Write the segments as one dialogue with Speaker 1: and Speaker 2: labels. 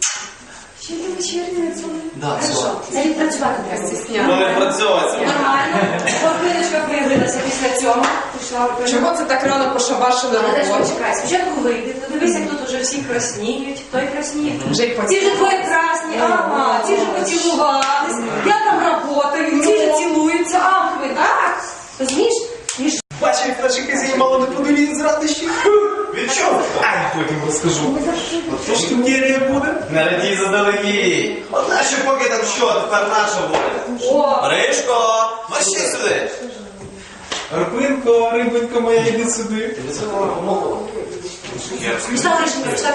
Speaker 1: Ще не вечірня, це
Speaker 2: Да, все.
Speaker 1: це відпрацювати треба.
Speaker 3: Ну, відпрацьовуватися.
Speaker 1: Нормально. Морквиночка появилася після цього.
Speaker 4: Чого це так рано пошабашили
Speaker 1: Але теж
Speaker 4: роботу?
Speaker 1: почекай, спочатку вийди, подивись, як тут уже всі красніють, той красніє.
Speaker 4: Вже й
Speaker 1: Ці вже двоє красні, ага, ці вже поцілувались, я там работаю, ці вже цілуються, ах ви, так? Розумієш?
Speaker 2: Бачив, як наші хазяї мало не подивіться з радощі.
Speaker 3: Від чого?
Speaker 2: Ай, потім розкажу. От що штукерія буде?
Speaker 3: Не радій заздалегідь. От нащо поки там що, тепер наша буде.
Speaker 1: О,
Speaker 3: Ришко, мерщій сюди.
Speaker 2: Арпинко, рибонька моя, йди сюди.
Speaker 3: Тобі це допомогло?
Speaker 1: встав, Ришенька, встав.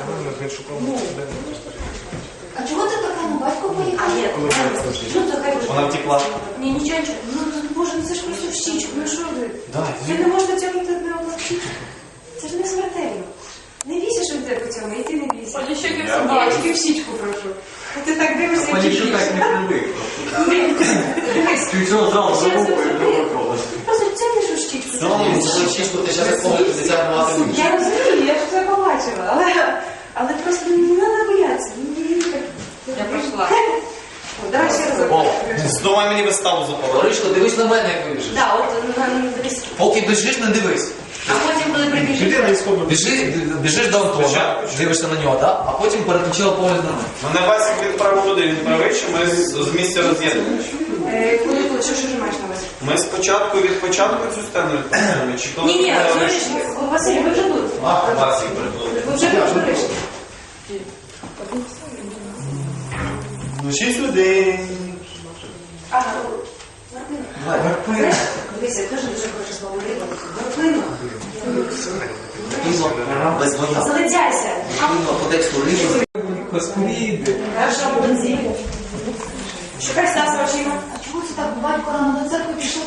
Speaker 5: А чого ти така, ну батько поїхав?
Speaker 1: А, є, ну то хай буде.
Speaker 3: Вона втекла.
Speaker 1: Ні, нічого, ну боже, ну це ж просто в щічку, ну що ви?
Speaker 3: Дай,
Speaker 1: Ви не можете тягнути одне одне в щічку. Це ж не смертельно. Не бійся, що йде по цьому, і ти не бійся. Я тільки в щічку прошу. А ти так дивишся, і
Speaker 2: Панічу
Speaker 1: бійся.
Speaker 2: так не привик.
Speaker 1: Дивись.
Speaker 2: Ти цього зразу
Speaker 1: Ще раз
Speaker 2: забуває,
Speaker 1: зроби. Просто тягнеш у щічку.
Speaker 3: Це чисто, ти зараз повністю дитя будеш.
Speaker 1: Я розумію, я ж це побачила, але просто не треба боятися.
Speaker 4: Я пройшла.
Speaker 1: Давай ще раз.
Speaker 3: Здавай мені виставу запалити.
Speaker 2: Ришко, дивись на мене, як вибіжиш.
Speaker 1: Так, от дивись.
Speaker 2: Поки біжиш, не дивись.
Speaker 1: А потім, коли прибіжиш.
Speaker 2: Біжиш до Антона, дивишся на нього, так? А потім переключила погляд на мене.
Speaker 3: Мене Васик відправив туди, він правий, що ми з місця роз'єднуємо.
Speaker 1: Коли, що ж маєш на увазі?
Speaker 3: Ми спочатку від початку цю сцену відпрацюємо, чи коли
Speaker 1: Ні,
Speaker 3: ми
Speaker 1: слухай, Василь, ви вже тут.
Speaker 3: Ах, Васик придумав.
Speaker 1: Ви вже вийшли.
Speaker 3: Ну ще сюди.
Speaker 1: Ага, Марпина. Дивися, я теж дуже хочу слово Марпина.
Speaker 2: Без боя.
Speaker 1: Залицяйся.
Speaker 2: По тексту рибу. Господи.
Speaker 1: Хорошо, молодці. Шукай Стаса очима.
Speaker 5: А чого це так батько рано до церкви пішов?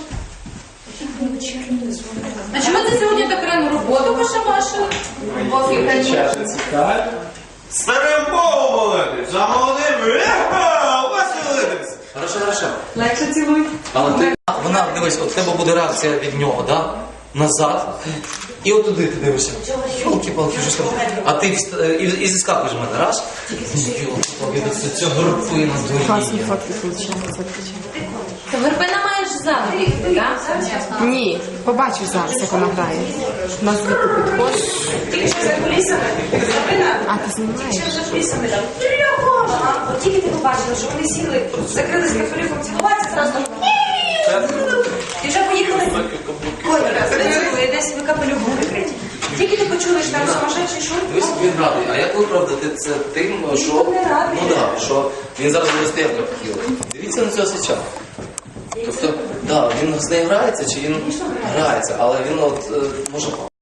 Speaker 4: А чому ти сьогодні так рано роботу пошабашила? Поки та
Speaker 3: Старим Богом молитись, за молодим Василитись.
Speaker 2: Хорошо.
Speaker 1: Легше цілуй.
Speaker 2: Але ти, вона, дивись, от в тебе буде реакція від нього, да? Назад. І от туди ти дивишся. Йолки-палки, що там. А ти і зіскакуєш в мене, раз. Йолки-палки, це горпина доїє.
Speaker 4: Вербина маєш завжди, так?
Speaker 6: Ні, побачиш зараз, як вона грає. На звідти підходиш.
Speaker 1: Тільки що за кулісами. Марпина.
Speaker 6: А, ти знімаєш?
Speaker 1: Ще за кулісами там. Ага, от тільки ти побачила, що вони сіли, закрились капелюхом цілуватися, зразу. І вже поїхали. Ой, ви десь ви капелюхом прикриті. Тільки ти почули, що там сумасшедший шум.
Speaker 2: Дивись, він радий. А як виправдати це тим, що...
Speaker 1: не радий.
Speaker 2: Ну так, що він зараз буде стояти як хотів. Дивіться на цього сича. Тобто, так, він з нею грається, чи він грається, але він от може...